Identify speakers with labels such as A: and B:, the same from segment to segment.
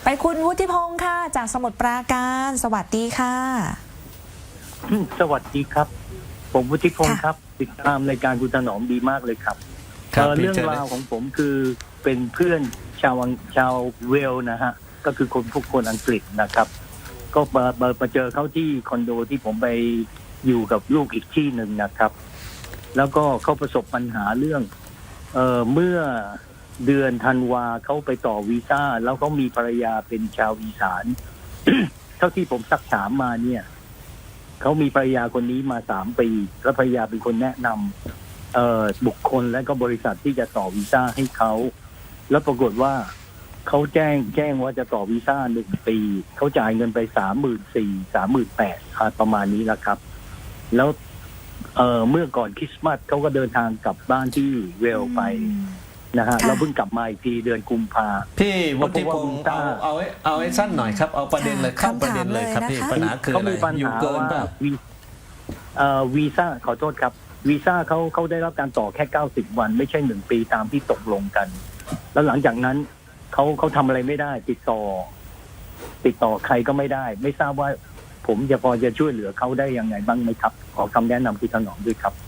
A: ไปคุณวุฒิพงศ์ค่ะจากสมุทรปราการสวัสดีค่ะ
B: สวัสดีครับ ผมวุฒิพงศ์ครับ ติดตามรายการคุณถนอมดีมากเลยครับเรื่องราวของผมคือเป็นเพื่อนชาวเวลนะฮะก็คือคนอังกฤษนะครับ ก็มาเจอเขาที่คอนโดที่ผมไปอยู่กับลูกอีกที่หนึ่งนะครับ แล้วก็เขาประสบปัญหาเรื่องเมื่อเดือนธันวาเขาไปต่อวีซ่าแล้วเขามีภรรยาเป็นชาวอีสาน เท่าที่ผมซักถามมาเนี่ยเขามีภรรยาคนนี้มา3 ปีแล้วภรรยาเป็นคนแนะนำบุคคลและก็บริษัทที่จะต่อวีซ่าให้เขาแล้วปรากฏว่าเขาแจ้งว่าจะต่อวีซ่า1 ปีเขาจ่ายเงินไป34,000-38,000ประมาณนี้แหละครับแล้วเมื่อก่อนคริสต์มาสเขาก็เดินทางกลับบ้านที่เวลไปนะฮะเราเพิ่งกลับมาอีกทีเดือนกุมภา
C: พี่วุฒิพงศ์เอาให้สั้นหน่อยครับเอาประเด็นเลยเข้าประเด็นเลยครับพี่ปัญหาคืออะไรอยู่เกินป่ะ
B: วีซ่าขอโทษครับวีซ่าเขาได้รับการต่อแค่90 วันไม่ใช่1 ปีตามที่ตกลงกันแล้วหลังจากนั้นเขาทำอะไรไม่ได้ติดต่อใครก็ไม่ได้ไม่ทราบว่าผมพอจะช่วยเหลือเขาได้ยังไงบ้างไหมครับขอคำแนะนำคุณถนอมด้วยครับ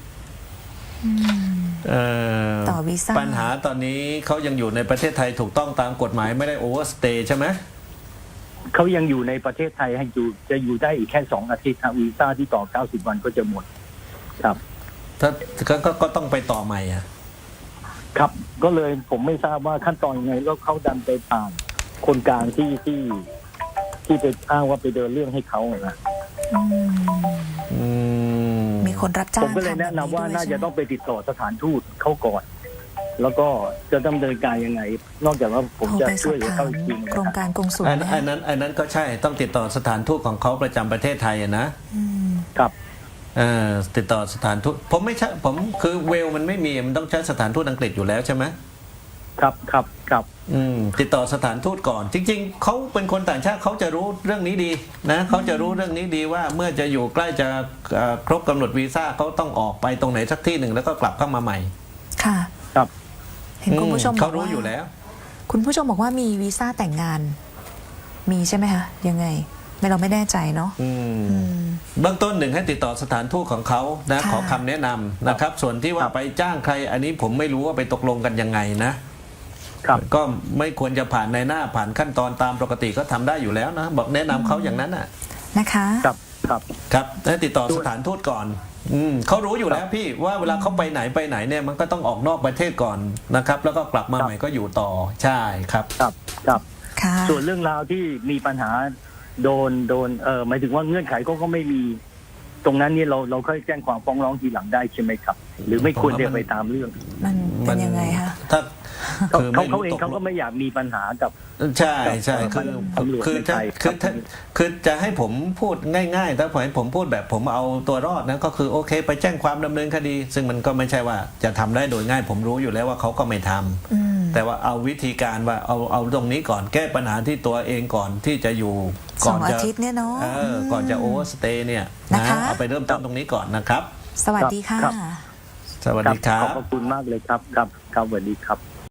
A: ต่อวีซ่า
C: ปัญหาตอนนี้เขายังอยู่ในประเทศไทยถูกต้องตามกฎหมายไม่ได้โอเวอร์สเตย์ใช่ไหม
B: เขายังอยู่ในประเทศไทยให้จะอยู่ได้อีกแค่2 อาทิตย์วีซ่าที่ต่อ90 วันก็จะหมดครับ
C: ถ้าก็ต้องไปต่อใหม่อ่ะ
B: ครับก็เลยผมไม่ทราบว่าขั้นตอนยังไงแล้วเขาดันไปผ่านคนกลางที่ไปอ้างว่าไปเดินเรื่องให้เขานะ
A: มีคนรับจ้าง
B: ผมก็เลยแนะนำว่าน่าจะต้องไปติดต่อสถานทูตเขาก่อนแล้วก็จะดำเนินการยังไงนอกจากว่าผมจะช่วยเหลือเขาจริง
A: โครงการกงสุล
C: อันนั้นก็ใช่ต้องติดต่อสถานทูตของเขาประจำประเทศไทยนะครับติดต่อสถานทูตผมไม่ใช่ผมคือเวลมันไม่มีมันต้องใช้สถานทูตอังกฤษอยู่แล้วใช่ไหม
B: ครับ
C: ติดต่อสถานทูตก่อนจริงๆเขาเป็นคนต่างชาติเขาจะรู้เรื่องนี้ดีนะเขาจะรู้เรื่องนี้ดีว่าเมื่อจะอยู่ใกล้จะครบกำหนดวีซ่าเขาต้องออกไปตรงไหนสักที่หนึ่งแล้วก็กลับเข้ามาใหม่
A: ค่ะ
B: ครับ
A: เห็นคุณผู้ชม
C: เขารู้อยู่แล้ว
A: คุณผู้ชมบอกว่ามีวีซ่าแต่งงานมีใช่ไหมคะยังไงเราไม่แน่ใจเนาะ
C: เบื้องต้น1ให้ติดต่อสถานทูตของเขานะขอคำแนะนำนะครับส่วนที่ว่าไปจ้างใครอันนี้ผมไม่รู้ว่าไปตกลงกันยังไงนะก็ไม่ควรจะผ่านในหน้าผ่านขั้นตอนตามปกติก็ทำได้อยู่แล้วนะบอกแนะนำเขาอย่างนั้น
A: นะคะ
C: ครับให้ติดต่อสถานทูตก่อนเขารู้อยู่แล้วพี่ว่าเวลาเขาไปไหนเนี่ยมันก็ต้องออกนอกประเทศก่อนนะครับแล้วก็กลับมาใหม่ก็อยู่ต่อใช่ครับ
B: ส่วนเรื่องราวที่มีปัญหาโดนหมายถึงว่าเงื่อนไขก็ไม่มีตรงนั้นนี่เราค่อยแจ้งความฟ้องร้องทีหลังได้ใช่ไหมครับหรือไม่ควรจะไปตามเรื่อง
A: มันเป็นยังไงคะ
C: ถ้า
B: เขาเองเขาก็ไม่อยากมีปัญหากับ
C: ใช่คือจะให้ผมพูดง่ายๆถ้าผมพูดแบบผมเอาตัวรอดนะก็คือโอเคไปแจ้งความดำเนินคดีซึ่งมันก็ไม่ใช่ว่าจะทำได้โดยง่ายผมรู้อยู่แล้วว่าเขาก็ไม่ทำแต่ว่าเอาวิธีการว่าเอาตรงนี้ก่อนแก้ปัญหาที่ตัวเองก่อนที่จะอยู่
A: ก่อนจะอาทิตย์เนี่ยเนาะ
C: ก่อนจะโอเวอร์สเตย์เนี่ยนะเอาไปเริ่มต้นตรงนี้ก่อนนะครับ
A: สวัสดีค่ะ
C: สวัสดีครับ
B: ขอบคุณมากเลยครับสวัสดีครับ